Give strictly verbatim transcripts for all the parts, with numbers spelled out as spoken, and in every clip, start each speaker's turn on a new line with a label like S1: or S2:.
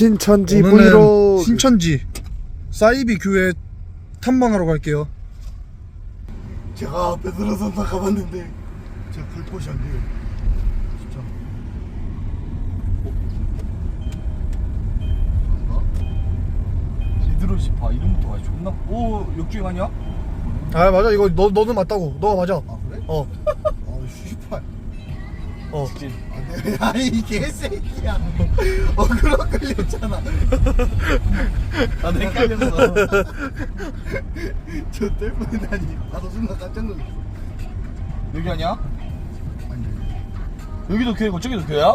S1: 신천지 브이로그.
S2: 신천지 사이비 교회 탐방하러 갈게요.
S1: 제가 앞에 들어서 다 가봤는데 제가 갈 곳이 안 돼요. 진짜.
S3: 리드로시 봐 이름부터 아주 존나. 오 역주행 아니야?
S2: 아 맞아, 이거 너 너는 맞다고. 너가 맞아.
S1: 아 그래?
S2: 어.
S1: 아 씨발.
S2: 어.
S3: 직진.
S1: 아니 이 개새끼야. 어 그럼 걸렸잖아.
S3: 나도 헷갈렸어.
S1: 저 때문에 나니 나도 순간 깜짝 놀랐어.
S3: 여기 아니야?
S1: 아니
S3: 여기도 교회고 저기도 교회야?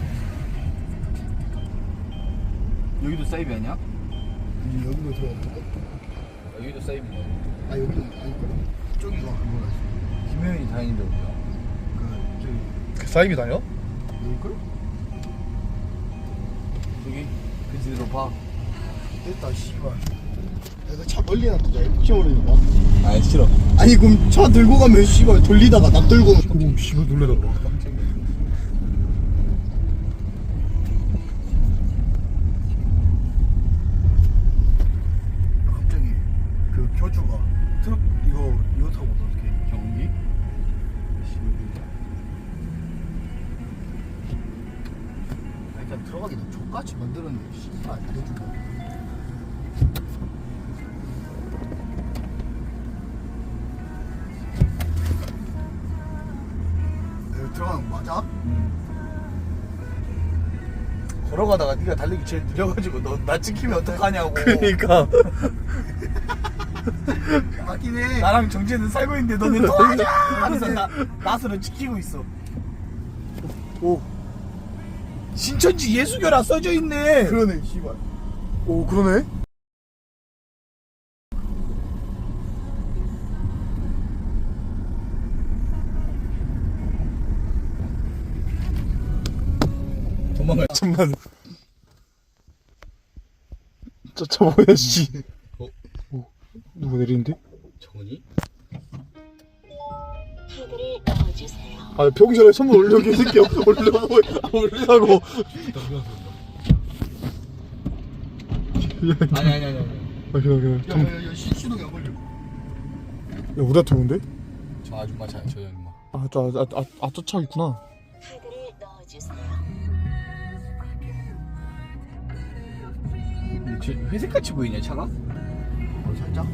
S3: 여기도 사이비 아니야?
S1: 이제 여기로 들어갔다.
S3: 여기도 사이비네.
S1: 아 여기는 아니거든. 저기가 그거라.
S3: 김효연이 다니는데 어디야?
S1: 그 저기
S2: 그 사이비 다녀?
S1: 여기걸?
S3: 저기 그 뒤로 봐.
S1: 됐다 씨발. 내가 차 멀리 놔두자. 혹시 모르니까.
S3: 아 싫어.
S1: 아니 그럼 차 들고 가면 씨발 돌리다가 나 들고.
S2: 오 씨발 놀래라.
S3: 깜짝이야.
S1: 갑자기 그 교주가 트럭 이거 이거 타고 오면 어떡해?
S3: 경기?
S1: 아, 일단 들어가기 너 족같이 만들었네. 씨발 교주가. 여기 들어가는 거 맞아?
S3: 걸어가다가 네가 달리기 제일 느려가지고 너 나 찍히면 어떡하냐고.
S2: 그러니까.
S1: 맞긴 해.
S3: 나랑 정재는 살고 있는데 너는 도와줘! 하면서 나, 나스를 지키고 있어.
S2: 오.
S3: 신천지 예수교라 써져 있네.
S1: 그러네 씨발.
S2: 오 그러네.
S3: 도망가.
S2: 잠만. 저, 저 뭐야 씨.
S3: 어?
S2: 오, 누구 내리는데?
S3: 정은이?
S4: 카드를 넣어주세요.
S2: 아 병신에 선물 올려 개새끼야. 올려고 올리라고.
S3: 아니 아니 아니 아니.
S2: 아 그냥 그냥. 좀.
S1: 야야야 시동이 안 걸려.
S2: 야 우리한테 오는데?
S3: 저 아줌마 저, 저 아줌마.
S2: 아저아아아저 차 있구나.
S4: 카드를 넣어주세요.
S3: 근데 쟤 회색같이 보이냐 차가?
S1: 어 살짝.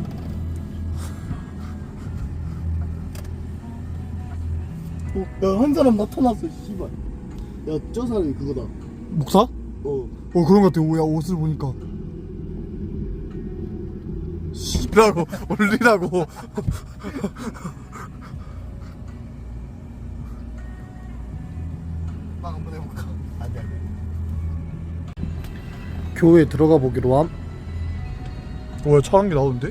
S1: 어, 야, 한 사람 나타났어, 씨발. 야, 저 사람이 그거다.
S2: 목사?
S1: 어.
S2: 어 그런 것 같아. 오야 옷을 보니까. 씨라고 올리라고.
S1: 막 한번 해볼까? 안 돼, 안 돼.
S2: 교회에 들어가 보기로 함. 뭐야 차 한 개 나오는데?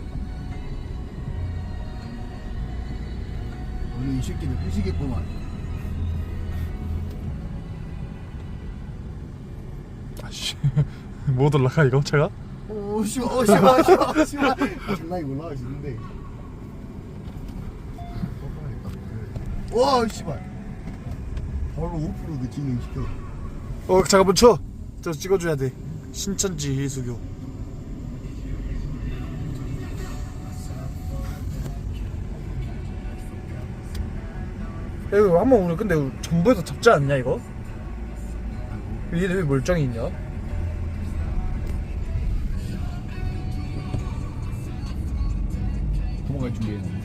S1: 오늘 이 새끼들 회식했구만.
S2: 아씨 못 올라가 이거 차가?
S1: 오, 씨발, 오, 씨발, 씨발, 씨발. 장난이 올라갈 수 있는데. 와, 씨발. 바로 오프로드 진행시켜.
S2: 어 잠깐 멈춰. 저 찍어줘야 돼. 신천지 예수교. 야, 이거 한번 우리 근데 정부에서 잡지 않냐 이거? 얘네 왜 멀쩡히 있냐?
S3: 도망갈 준비했는데.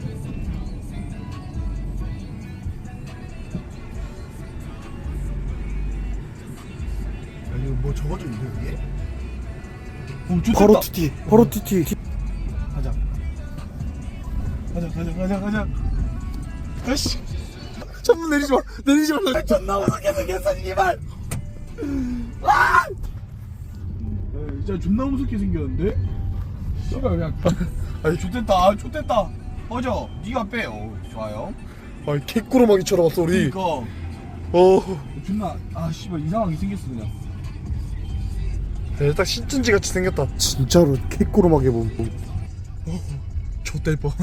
S1: 야, 이거 뭐 적어져 있는데, 여기?
S3: 오, 좋겠다.
S2: 바로 티티 바로 티티 티.
S3: 가자. 가자 가자 가자 가자. 아씨.
S2: 천문 내리지 마 내리지 말라.
S3: 존나 무섭게 생겼어 씨발. 와! 진짜 존나 무섭게 생겼는데? 씨발 그냥. 아니 좋됐다 좋됐다. 꺼져. 네가 빼. 어 좋아요.
S2: 아이 개꾸러마기 쳐다봤어 우리.
S3: 그니까
S2: 어.
S3: 존나 아 씨발 이상하게 생겼어 그냥.
S2: 야, 딱 신천지 같이 생겼다. 진짜로 개꾸러마게 보. 어, 좆될 뻔.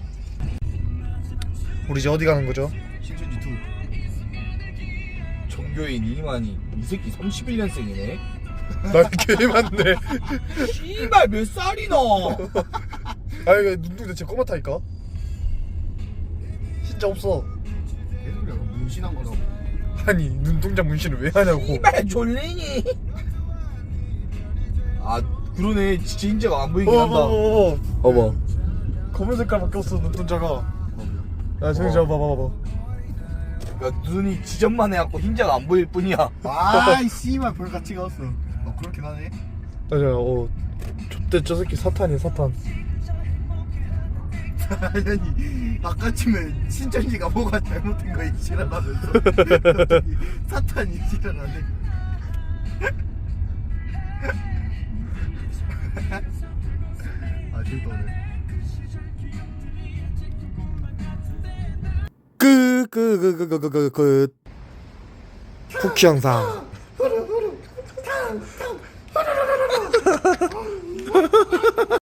S2: 우리 이제 어디 가는 거죠?
S1: 신천지 투.
S3: 정 전교인 이만희 이 새끼 삼십일 년생이네.
S2: 나 개맞네.
S3: 씨발 몇 살이나?
S2: 아 이거 눈동자 진짜 꼬맣다니까. 진짜 없어.
S1: 얘들 약간 문신한 거라고.
S2: 아니 눈동자 문신을 왜 하냐고.
S3: 씨발 졸리니? 아 그러네 진짜 인자가 안 보이긴 한다.
S2: 어어어.
S3: 어머.
S2: 검은 색깔 바뀌었어 눈동자가. 야 저기 저 봐봐 봐봐.
S3: 야 눈이 지점만 해갖고 흰자가 안 보일 뿐이야.
S1: 아이 씨발 별 가치가 없어. 어 그렇긴 하네.
S2: 맞아. 어. 좆대 저 새끼 사탄이야 사탄.
S1: 아니 아까쯤에 신천지가 뭐가 잘못된 거이 지랄하면서 사탄이 지랄하네. 아 즐거우네.
S2: 끝끝끝끝끝끝 쿠키 영상.